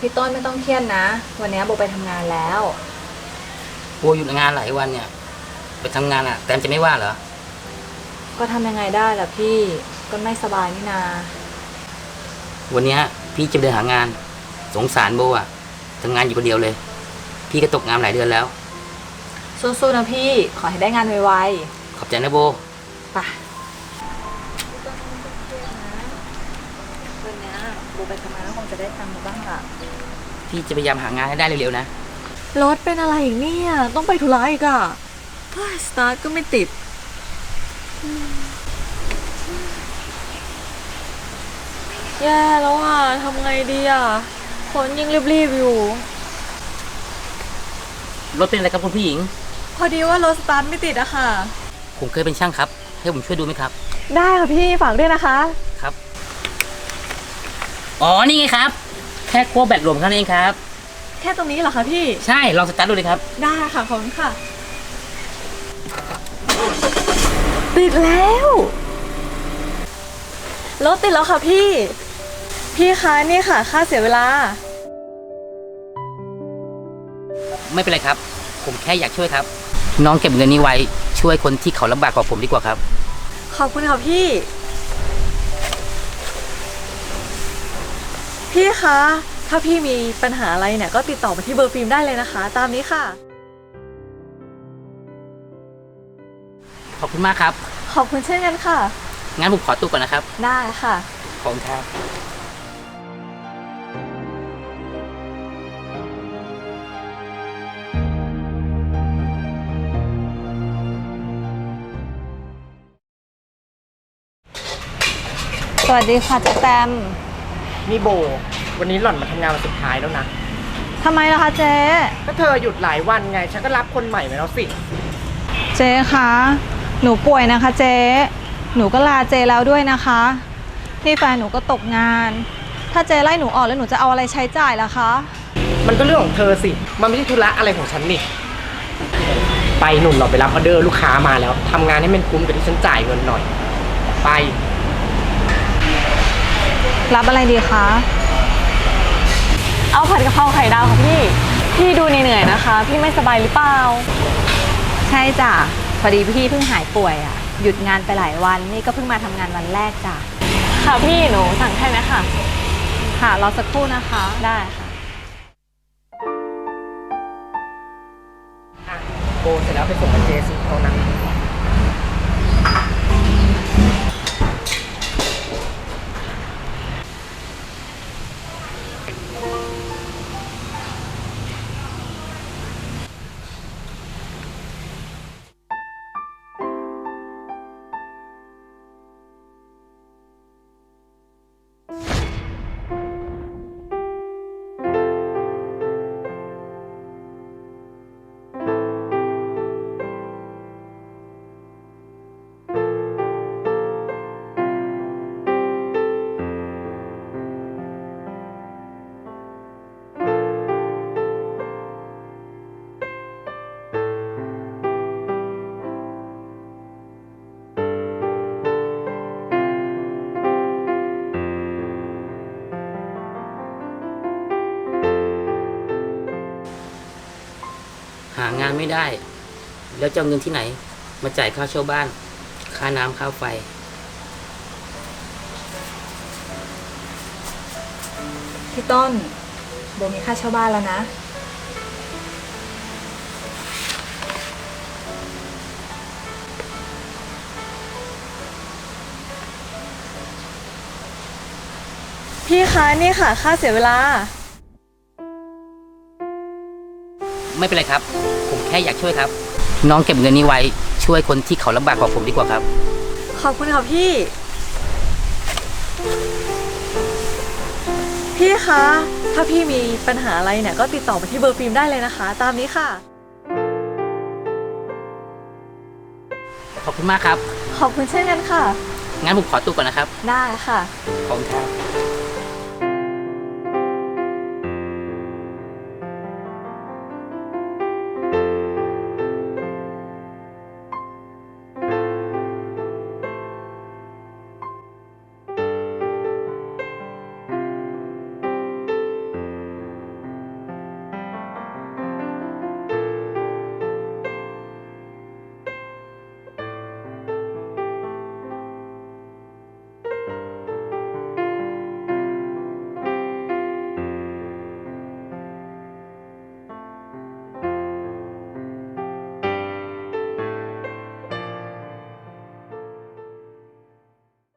พี่ต้นไม่ต้องเครียดนะวันนี้โบไปทำงานแล้วโบหยุดงานหลายวันเนี่ยไปทำงานแตมจะไม่ว่าเหรอก็ทำยังไงได้ล่ะพี่ก็ไม่สบายนี่นาวันนี้พี่จะเดินหางานสงสารโบทำงานอยู่คนเดียวเลยพี่ก็ตกงานหลายเดือนแล้วสู้ๆนะพี่ขอให้ได้งานไวขอบใจนะโบไปพี่ต้นไม่ต้องเครียดนะวันนี้โบไปทำงานคงจะได้ตังค์มาบ้างล่ะพี่จะพยายามหางานให้ได้เร็วๆนะรถเป็นอะไรอีกเนี่ยต้องไปธุระอีกอะสตาร์ทก็ไม่ติดแย่แล้วทำไงดีคนยังรีบๆอยู่รถเป็นอะไรครับคุณผู้หญิงพอดีว่ารถสตาร์ทไม่ติดอะค่ะผมเคยเป็นช่างครับให้ผมช่วยดูไหมครับได้ค่ะพี่ฝากด้วยนะคะครับอ๋อนี่ไงครับแค่ขั้วแบตรวมเท่านั้นเองครับแค่ตรงนี้เหรอคะพี่ใช่ลองสตาร์ทดูเลยครับได้ค่ะขอบคุณค่ะติดแล้วรถติดแล้วค่ะพี่คะนี่ค่ะค่าเสียเวลาไม่เป็นไรครับผมแค่อยากช่วยครับน้องเก็บเงินนี้ไว้ช่วยคนที่เขาลำบากกว่าผมดีกว่าครับขอบคุณค่ะพี่คะถ้าพี่มีปัญหาอะไรเนี่ยก็ติดต่อมาที่เบอร์ฟิล์มได้เลยนะคะตามนี้ค่ะขอบคุณมากครับขอบคุณเช่นกันค่ะงั้นผมขอตัวก่อนนะครับได้ค่ะขอบคุณครับสวัสดีค่ะเจ๊แตมนี่โบวันนี้หล่อนมาทำงานวันสุดท้ายแล้วนะทำไมล่ะคะเจ๊ก็เธอหยุดหลายวันไงฉันก็รับคนใหม่มาแล้วสิเจ๊คะหนูป่วยนะคะเจ๊หนูก็ลาเจ๊แล้วด้วยนะคะที่แฟนหนูก็ตกงานถ้าเจ๊ไล่หนูออกแล้วหนูจะเอาอะไรใช้จ่ายล่ะคะมันก็เรื่องของเธอสิมันไม่ใช่ธุระอะไรของฉันนี่ไปหนุ่มเราไปรับออเดอร์ลูกค้ามาแล้วทำงานให้มันคุ้มกับที่ฉันจ่ายเงินหน่อยไปรับอะไรดีคะเอาผัดกะเพราไข่ดาวค่ะพี่ดูเหนื่อยนะคะพี่ไม่สบายหรือเปล่าใช่จ้ะพอดีพี่เพิ่งหายป่วยหยุดงานไปหลายวันนี่ก็เพิ่งมาทำงานวันแรกจ้ะค่ะพี่หนูสั่งแค่นี้ค่ะค่ะรอสักครู่นะคะได้ค่ะโบเสร็จแล้วไปส่งกับเจสิตรงนั้นหางานไม่ได้แล้วจะเอาเงินที่ไหนมาจ่ายค่าเช่าบ้านค่าน้ำค่าไฟพี่ต้นโบมีค่าเช่าบ้านแล้วนะพี่คะนี่ค่ะค่าเสียเวลาไม่เป็นไรครับผมแค่อยากช่วยครับน้องเก็บเงินนี้ไว้ช่วยคนที่เขาลำบากกว่าผมดีกว่าครับขอบคุณค่ะพี่คะถ้าพี่มีปัญหาอะไรเนี่ยก็ติดต่อมาที่เบอร์ฟิล์มได้เลยนะคะตามนี้ค่ะขอบคุณมากครับขอบคุณเช่นกันค่ะงั้นผมขอตัวก่อนนะครับได้ค่ะขอบคุณครับ